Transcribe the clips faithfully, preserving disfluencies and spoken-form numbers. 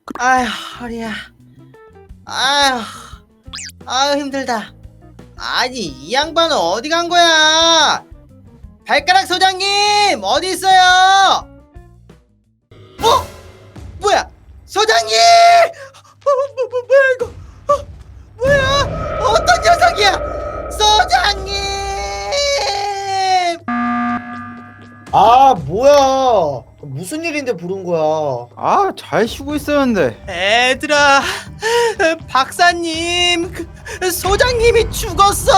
아휴 허리야. 아휴 아휴 힘들다. 아니 이 양반은 어디 간 거야? 발가락 소장님 어디 있어요? 어? 뭐야? 소장님! 어, 뭐, 뭐, 뭐야 이거? 어, 뭐야? 어떤 녀석이야? 소장님! 아, 뭐야? 무슨 일인데 부른 거야? 아, 잘 쉬고 있었는데. 애들아, 박사님, 그, 소장님이 죽었어.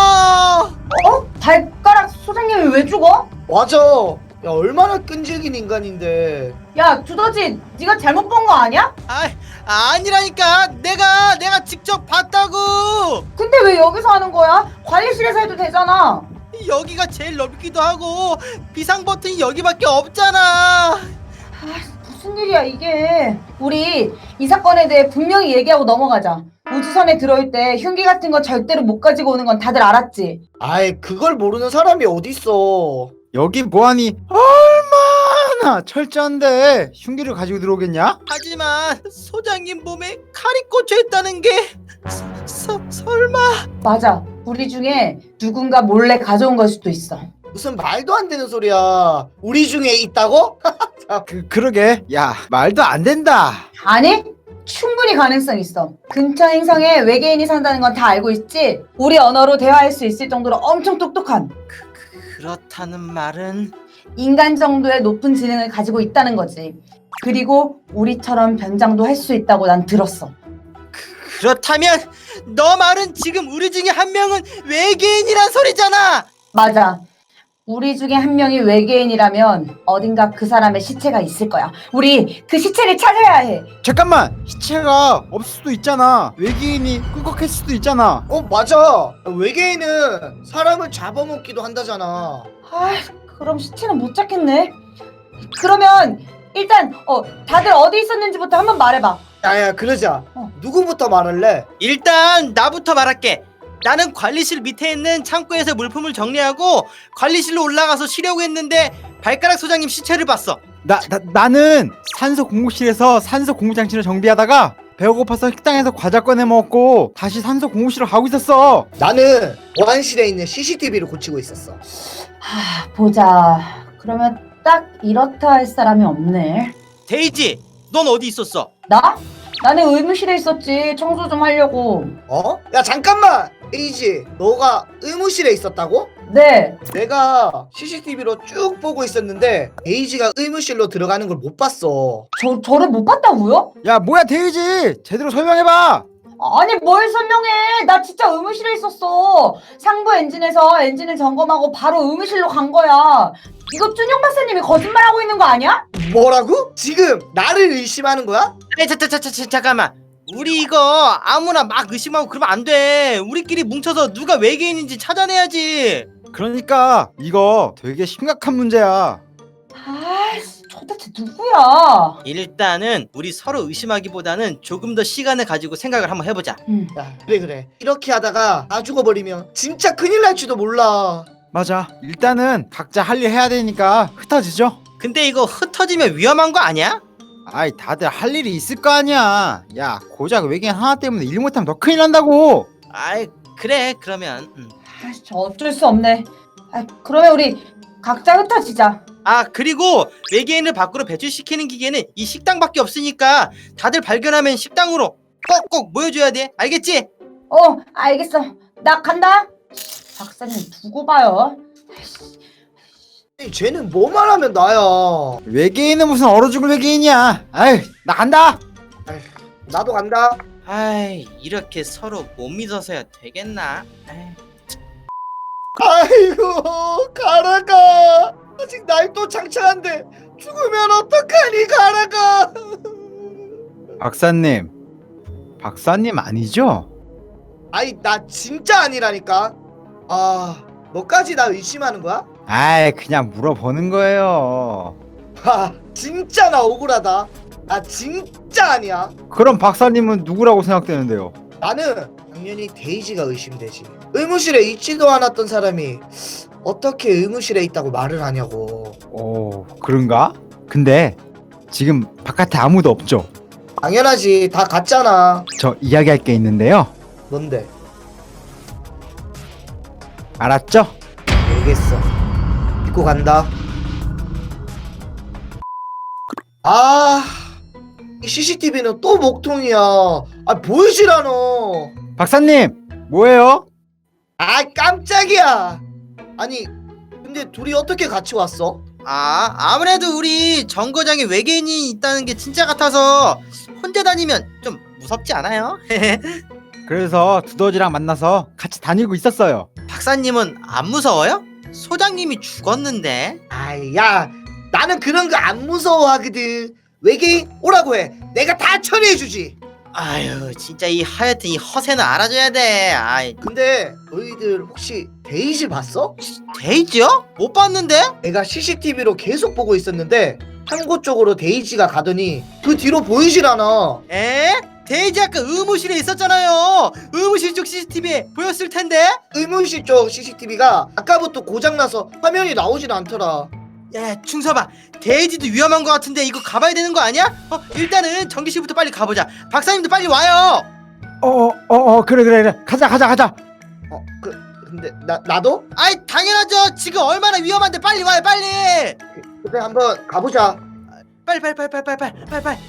어? 발가락 소장님이 왜 죽어? 맞아. 야, 얼마나 끈질긴 인간인데. 야 두더지 네가 잘못 본 거 아니야? 아, 아니라니까. 내가 내가 직접 봤다고. 근데 왜 여기서 하는 거야? 관리실에서 해도 되잖아. 여기가 제일 넓기도 하고 비상 버튼이 여기밖에 없잖아. 아 무슨 일이야 이게. 우리 이 사건에 대해 분명히 얘기하고 넘어가자. 우주선에 들어올 때 흉기 같은 거 절대로 못 가지고 오는 건 다들 알았지? 아이, 그걸 모르는 사람이 어딨어. 여기 뭐하니? 얼마나 철저한데 흉기를 가지고 들어오겠냐? 하지만 소장님 몸에 칼이 꽂혀 있다는 게 서, 설마. 맞아. 우리 중에 누군가 몰래 가져온 걸 수도 있어. 무슨 말도 안 되는 소리야. 우리 중에 있다고? 그, 그러게. 야, 말도 안 된다. 아니? 충분히 가능성 있어. 근처 행성에 외계인이 산다는 건 다 알고 있지? 우리 언어로 대화할 수 있을 정도로 엄청 똑똑한 그렇다는 말은 인간 정도의 높은 지능을 가지고 있다는 거지. 그리고 우리처럼 변장도 할 수 있다고 난 들었어. 그렇다면 너 말은 지금 우리 중에 한 명은 외계인이란 소리잖아. 맞아. 우리 중에 한 명이 외계인이라면 어딘가 그 사람의 시체가 있을 거야. 우리 그 시체를 찾아야 해. 잠깐만, 시체가 없을 수도 있잖아. 외계인이 꿀꺽했을 수도 있잖아. 어, 맞아. 외계인은 사람을 잡아먹기도 한다잖아. 아, 그럼 시체는 못 찾겠네. 그러면 일단 어 다들 어디 있었는지부터 한번 말해봐. 야야, 그러자. 어. 누구부터 말할래? 일단 나부터 말할게. 나는 관리실 밑에 있는 창고에서 물품을 정리하고 관리실로 올라가서 쉬려고 했는데 발가락 소장님 시체를 봤어. 나, 나, 나는 산소 공급실에서 산소 공급장치를 정비하다가 배가 고파서 식당에서 과자 꺼내 먹고 다시 산소 공급실로 가고 있었어. 나는 보안실에 있는 씨씨티비를 고치고 있었어. 하, 보자. 그러면 딱 이렇다 할 사람이 없네. 데이지, 넌 어디 있었어? 나? 나는 의무실에 있었지. 청소 좀 하려고. 어? 야, 잠깐만! 에이지, 너가 의무실에 있었다고? 네. 내가 씨씨티비로 쭉 보고 있었는데 에이지가 의무실로 들어가는 걸 못 봤어. 저, 저를 못 봤다고요? 야, 뭐야, 데이지! 제대로 설명해봐! 아니 뭘 설명해. 나 진짜 의무실에 있었어. 상부 엔진에서 엔진을 점검하고 바로 의무실로 간 거야. 이거 준영 박사님이 거짓말하고 있는 거 아니야? 뭐라고? 지금 나를 의심하는 거야? 아니, 자, 자, 자, 자, 잠깐만. 우리 이거 아무나 막 의심하고 그러면 안 돼. 우리끼리 뭉쳐서 누가 외계인인지 찾아내야지. 그러니까 이거 되게 심각한 문제야. 아이씨, 도대체 누구야? 일단은 우리 서로 의심하기보다는 조금 더 시간을 가지고 생각을 한번 해보자. 음. 야, 그래 그래. 이렇게 하다가 다 죽어버리면 진짜 큰일 날지도 몰라. 맞아. 일단은 각자 할 일 해야 되니까 흩어지죠. 근데 이거 흩어지면 위험한 거 아니야? 아이, 다들 할 일이 있을 거 아니야. 야, 고작 외계인 하나 때문에 일 못하면 더 큰일 난다고. 아이 그래 그러면 음. 아이씨, 어쩔 수 없네. 아, 그러면 우리 각자 흩어지자. 아 그리고 외계인을 밖으로 배출시키는 기계는 이 식당밖에 없으니까 다들 발견하면 식당으로 꼭꼭 모여줘야 돼. 알겠지? 어, 알겠어. 나 간다. 박사님 두고 봐요. 아니, 쟤는 뭐만 하면 나야. 외계인은 무슨 얼어 죽을 외계인이야. 아이, 나 간다. 아휴, 나도 간다. 아이 이렇게 서로 못 믿어서야 되겠나? 아이. 아이고, 가라가. 아직 날도 창창한데 죽으면 어떡하니, 가라가. 박사님. 박사님 아니죠? 아이, 나 진짜 아니라니까. 아, 너까지 나 의심하는 거야? 아이, 그냥 물어보는 거예요. 하, 진짜 나 억울하다. 나 진짜 아니야. 그럼 박사님은 누구라고 생각되는데요? 나는 당연히 데이지가 의심되지. 의무실에 있지도 않았던 사람이 어떻게 의무실에 있다고 말을 하냐고. 오, 그런가? 근데 지금 바깥에 아무도 없죠? 당연하지. 다 갔잖아. 저 이야기할 게 있는데요. 뭔데? 알았죠? 알겠어. 믿고 간다. 아, 이 씨씨티비는 또 목통이야. 아, 보이질 않아. 박사님, 뭐예요? 아, 깜짝이야. 아니, 근데 둘이 어떻게 같이 왔어? 아, 아무래도 우리 정거장에 외계인이 있다는 게 진짜 같아서 혼자 다니면 좀 무섭지 않아요? 그래서 두더지랑 만나서 같이 다니고 있었어요. 박사님은 안 무서워요? 소장님이 죽었는데. 아이, 야, 나는 그런 거 안 무서워하거든. 외계인 오라고 해. 내가 다 처리해주지. 아유, 진짜 이 하여튼 이 허세는 알아줘야 돼. 아이, 근데 너희들 혹시 데이지 봤어? 데이지요? 못 봤는데? 내가 씨씨티비로 계속 보고 있었는데 창고 쪽으로 데이지가 가더니 그 뒤로 보이질 않아. 에? 데이지 아까 의무실에 있었잖아요. 의무실 쪽 씨씨티비에 보였을 텐데. 의문실 쪽 씨씨티비가 아까부터 고장나서 화면이 나오질 않더라. 야, 충서봐. 데이지도 위험한 것 같은데 이거 가봐야 되는 거 아니야? 어, 일단은 전기실부터 빨리 가보자. 박사님도 빨리 와요. 어어어 어, 어, 그래 그래 그래 가자 가자 가자. 어, 그 근데 나 나도? 아이, 당연하죠. 지금 얼마나 위험한데 빨리 와요, 빨리. 그래 한번 가보자. 빨리 빨리 빨리 빨리 빨리 빨리 빨리 빨리.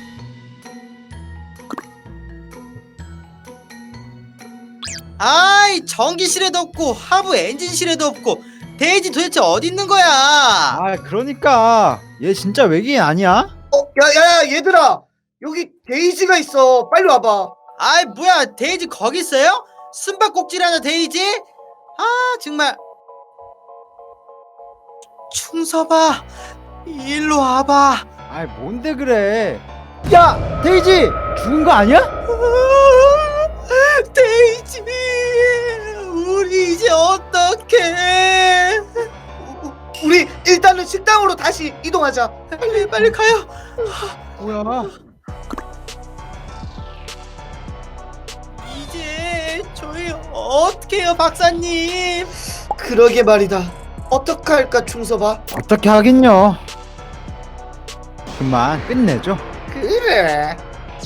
아이, 전기실에도 없고 하부 엔진실에도 없고 데이지 도대체 어디 있는 거야? 아 그러니까 얘 진짜 외계인 아니야? 어, 야야야 얘들아 여기 데이지가 있어. 빨리 와봐. 아이, 뭐야, 데이지 거기 있어요? 숨바꼭질하나 데이지? 아, 정말. 충서봐, 일로 와봐. 아 뭔데 그래? 야 데이지 죽은 거 아니야? 데이지, 우리 이제 어떡해? 우리 일단은 식당으로 다시 이동하자. 빨리 빨리 가요. 뭐야? 이제 저희 어떻게 해요, 박사님? 그러게 말이다. 어떡할까 충서봐. 어떻게 하긴요. 그만 끝내죠. 그래.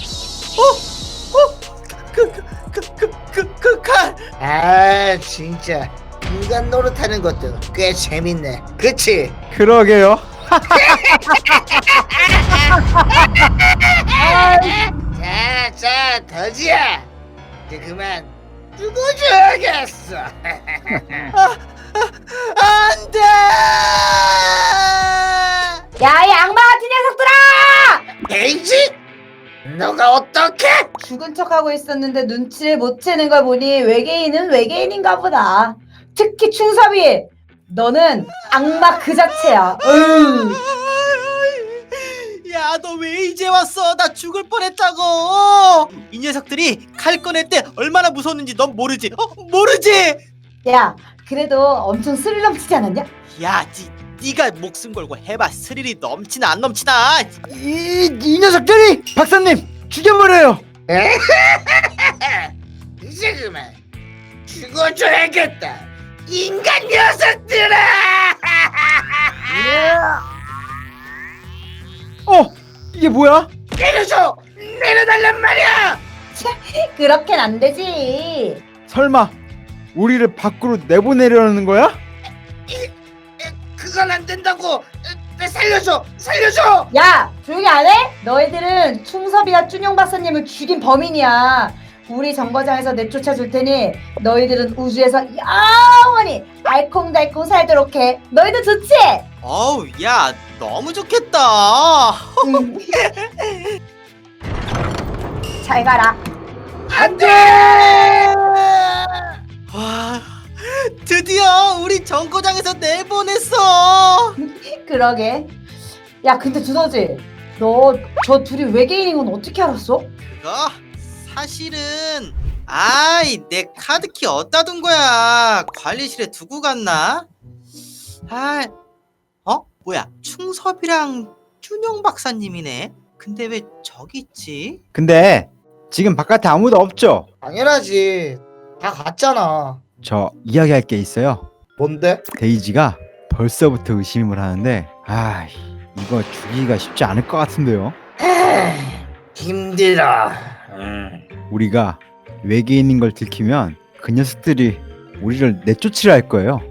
그 그 그 그 그 칼. 아 진짜 인간 노릇하는 것도 꽤 재밌네. 그치? 그러게요. 자자 더지야 이제 그만 죽어줘야겠어. 안돼. 야, 이 악마 같은 녀석들아! 데이지? 너가 어떻게? 죽은 척하고 있었는데 눈치를 못 채는 걸 보니 외계인은 외계인인가 보다. 특히 충섭이, 너는 악마 그 자체야. 으. 야, 너 왜 이제 왔어? 나 죽을 뻔했다고. 이 녀석들이 칼 꺼낼 때 얼마나 무서웠는지 넌 모르지? 어, 모르지? 야, 그래도 엄청 스릴 넘치지 않았냐? 야, 니, 니가 목숨 걸고 해봐. 스릴이 넘치나 안 넘치나? 이, 이 녀석들이 박사님 죽여버려요. 이제 그만 죽어줘야겠다. 인간 녀석들아! 어 이게 뭐야? 내려줘! 내려달란 말이야! 그렇게는 안 되지. 설마 우리를 밖으로 내보내려는 거야? 그건 안 된다고! 내 살려줘! 살려줘! 야, 조용히 안 해? 너희들은 충섭이가 쭈뇽 박사님을 죽인 범인이야. 우리 정거장에서 내쫓아 줄 테니 너희들은 우주에서 영원히 알콩달콩 살도록 해. 너희들 좋지? 어우, 야, 너무 좋겠다. 응. 잘 가라. 안 돼! 와, 드디어 우리 정거장에서 내보냈어. 그러게. 야, 근데 두더지, 너 저 둘이 외계인인 건 어떻게 알았어? 그거 사실은, 아이, 내 카드키 어디다 둔 거야? 관리실에 두고 갔나? 아, 어? 뭐야? 충섭이랑 쭈뇽 박사님이네. 근데 왜 저기 있지? 근데 지금 바깥에 아무도 없죠? 당연하지. 다 갔잖아. 저 이야기할 게 있어요. 뭔데? 데이지가 벌써부터 의심을 하는데 아 이거 죽이기가 쉽지 않을 것 같은데요. 힘들어. 음. 우리가 외계인인 걸 들키면 그 녀석들이 우리를 내쫓으려 할 거예요.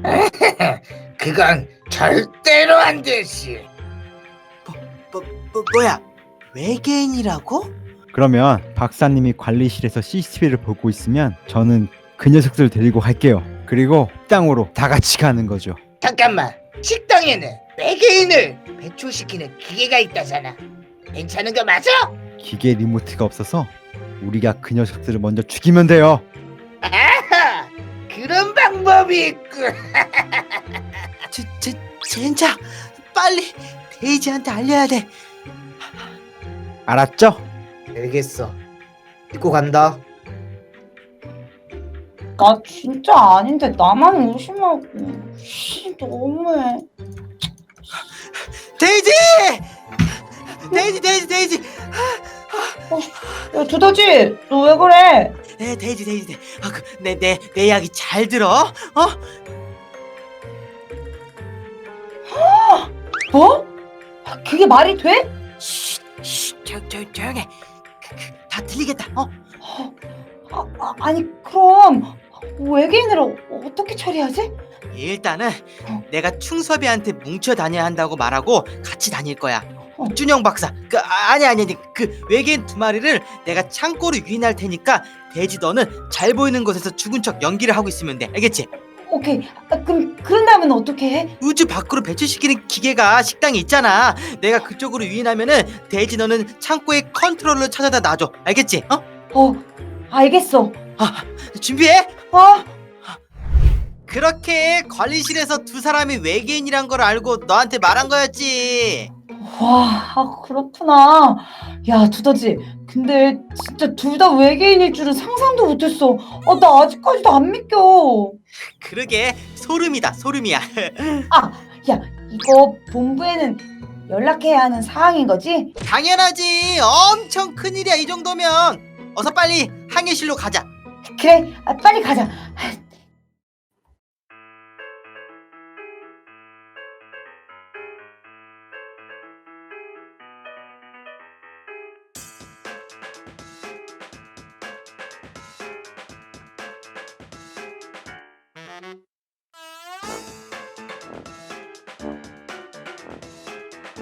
그건 절대로 안 되지. 뭐, 뭐 뭐야? 외계인이라고? 그러면 박사님이 관리실에서 씨씨티비를 보고 있으면 저는 그 녀석들을 데리고 갈게요. 그리고 식당으로 다 같이 가는 거죠. 잠깐만. 식당에는 외계인을 배출시키는 기계가 있다잖아. 괜찮은 거 맞아? 기계 리모트가 없어서 우리가 그 녀석들을 먼저 죽이면 돼요. 아하! 그런 방법이 있군. 제, 제, 젠장! 빨리 데이지한테 알려야 돼. 알았죠? 알겠어. 믿고 간다. 나 진짜 아닌데 나만 의심하고. 씨, 너무해. 데이지! 데이지, 데이지, 데이지! 야, 두더지, 너 왜 그래? 네, 데이지, 데이지, 데이지. 아, 그, 내, 내, 내 이야기 잘 들어. 어? 뭐? 그게 말이 돼? 쉿, 쉿, 조, 조, 조용해. 그, 그, 다 들리겠다. 어? 아, 아, 아니 그럼 외계인을 어, 어떻게 처리하지? 일단은 어. 내가 충섭이한테 뭉쳐 다녀야 한다고 말하고 같이 다닐 거야. 어. 준영 박사, 그 아, 아니 아니 아니 그 외계인 두 마리를 내가 창고로 유인할 테니까 돼지 너는 잘 보이는 곳에서 죽은 척 연기를 하고 있으면 돼. 알겠지? 오케이. 아, 그럼 그런 다음엔 어떻게 해? 우주 밖으로 배출시키는 기계가 식당에 있잖아. 내가 그쪽으로 유인하면은 돼지 너는 창고에 컨트롤러 찾아다 놔줘. 알겠지? 어? 어, 알겠어. 아, 준비해. 어? 그렇게 관리실에서 두 사람이 외계인이란 걸 알고 너한테 말한 거였지. 와, 아, 그렇구나. 야, 두더지. 근데 진짜 둘 다 외계인일 줄은 상상도 못했어. 아, 나 아직까지도 안 믿겨. 그러게 소름이다 소름이야. 아, 야, 이거 본부에는 연락해야 하는 사항인 거지? 당연하지. 엄청 큰일이야 이 정도면. 어서 빨리 항해실로 가자. 그래, 아, 빨리 가자.